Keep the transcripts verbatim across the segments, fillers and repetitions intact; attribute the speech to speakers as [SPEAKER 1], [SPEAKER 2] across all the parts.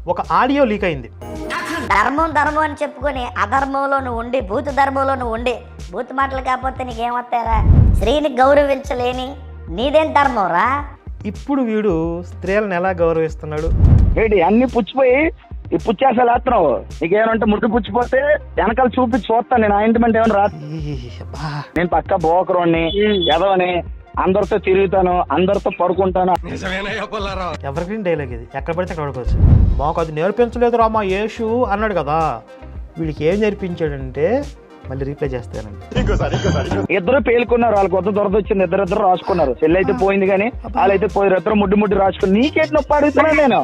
[SPEAKER 1] ఒక audio leak అయింది.
[SPEAKER 2] ధర్మం ధర్మం అని చెప్పుకొని అధర్మంలో నువ్వు ఉండి భూత ధర్మంలో నువ్వు ఉండి భూత మాటలు కాకపోతే నీకేమొస్తారా? స్త్రీని గౌరవించలేని నీదేం ధర్మం రా?
[SPEAKER 1] ఇప్పుడు వీడు స్త్రీలను ఎలా గౌరవిస్తున్నాడు?
[SPEAKER 3] ఏంటి అన్ని పుచ్చిపోయి ఈ పుచ్చేసలు వేస్తున్నావు. నీకేమంటే ముద్దు పుచ్చిపోతే వెనకాల చూపించి చూస్తాను నేను. ఆయింట్మెంట్ ఏమైనా రా. నేను పక్క బోకరోని ఎదవని అందరితో తిరుగుతాను, అందరితో పడుకుంటాను.
[SPEAKER 1] ఎవరికి డైలాగ్ ఇది, ఎక్కడ పడితే అక్కడ పడుకోవచ్చు. మాకు అది నేర్పించలేదు రా మా యేసు అన్నాడు కదా. వీడికి ఏం నేర్పించాడంటే మళ్ళీ రీప్లై చేస్తానండి.
[SPEAKER 3] ఇద్దరు పేలుకున్నారు, వాళ్ళకి కొత్త దొరద వచ్చింది, ఇద్దరు ఇద్దరు రాసుకున్నారు. చెల్లి అయితే పోయింది కానీ వాళ్ళైతే పోయారు. ఇద్దరు ముడ్డు ముడ్డు రాసుకుని నీకేటి నొప్పి అడుగుతున్నాను నేను.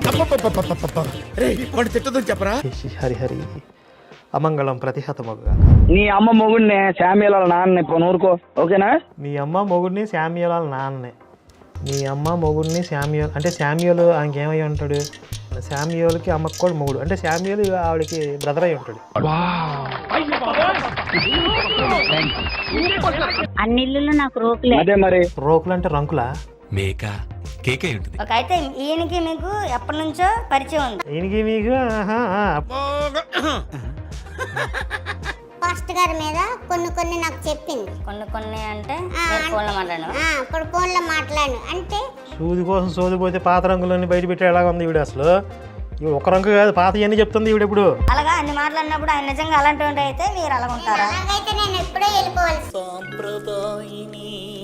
[SPEAKER 1] హరి హరి అమంగళం ప్రతిహతమగుగా.
[SPEAKER 3] నీ అమ్మ మొగుడిని శామ్యుల నాన్న ఇప్పుడు నూరుకో, ఓకేనా?
[SPEAKER 1] మీ అమ్మ మొగుడిని శామ్యుల నాన్నే. మీ అమ్మ మొగుడిని శామ్యుల్ అంటే శామ్యుల్ ఆయనకి ఏమై ఉంటాడు? శామ్యుల్కి అమ్మకు కూడా మొగుడు అంటే శామ్యుల్ ఆవిడకి బ్రదర్ అయి ఉంటాడు.
[SPEAKER 4] అన్ని ఇల్లు నాకు రోకులే.
[SPEAKER 3] అదే మరి
[SPEAKER 1] రోకులు అంటే రంకులా?
[SPEAKER 5] మేక కేకే ఉంటుంది.
[SPEAKER 2] ఒక అయితే ఈయనకి మీకు ఎప్పటి నుంచో పరిచయం ఉంది.
[SPEAKER 1] ఈయనకి మీకు
[SPEAKER 6] పాస్టర్ గారి మీద కొన్ని కొన్ని నాకు చెప్పింది.
[SPEAKER 2] కొన్ని కొన్ని అంటే ఫోన్లో మాట్లాడాను.
[SPEAKER 6] ఇప్పుడు ఫోన్లో మాట్లాడు అంటే
[SPEAKER 1] సూది కోసం సోదిపోతే పాత రంగులన్నీ బయట పెట్టి ఎలాగ ఉంది ఈవిడ. అసలు ఇవి ఒక రంగు కాదు, పాత ఇవన్నీ చెప్తుంది ఈవిడ. ఇప్పుడు
[SPEAKER 2] అలాగా అన్ని మాట్లాడినప్పుడు ఆయన నిజంగా అలాంటి అయితే మీరు అలాగ ఉంటారా?
[SPEAKER 6] అలాగైతే నేను ఎప్పుడో వెళ్ళిపోవాలి.